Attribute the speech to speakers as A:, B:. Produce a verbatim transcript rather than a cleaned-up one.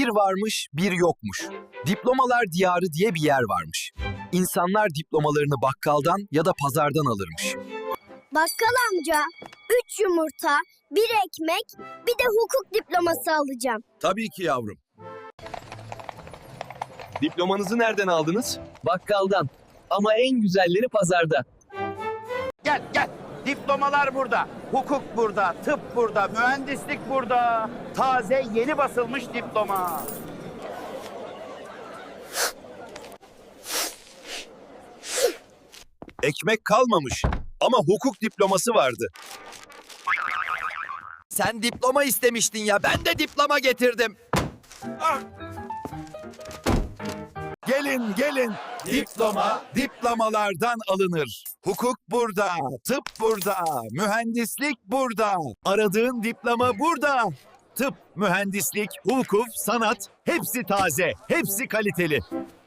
A: Bir varmış, bir yokmuş. Diplomalar diyarı diye bir yer varmış. İnsanlar diplomalarını bakkaldan ya da pazardan alırmış.
B: Bakkal amca, üç yumurta, bir ekmek, bir de hukuk diploması alacağım.
A: Tabii ki yavrum. Diplomanızı nereden aldınız?
C: Bakkaldan. Ama en güzelleri pazarda.
D: Gel gel. Diplomalar burada. Hukuk burada. Tıp burada. Mühendislik burada. Taze yeni basılmış diploma.
A: Ekmek kalmamış ama hukuk diploması vardı.
E: Sen diploma istemiştin ya, ben de diploma getirdim.
A: Gelin gelin. Diploma diplomalardan alınır. Hukuk burada, tıp burada, mühendislik burada. Aradığın diploma burada. Tıp, mühendislik, hukuk, sanat hepsi taze, hepsi kaliteli.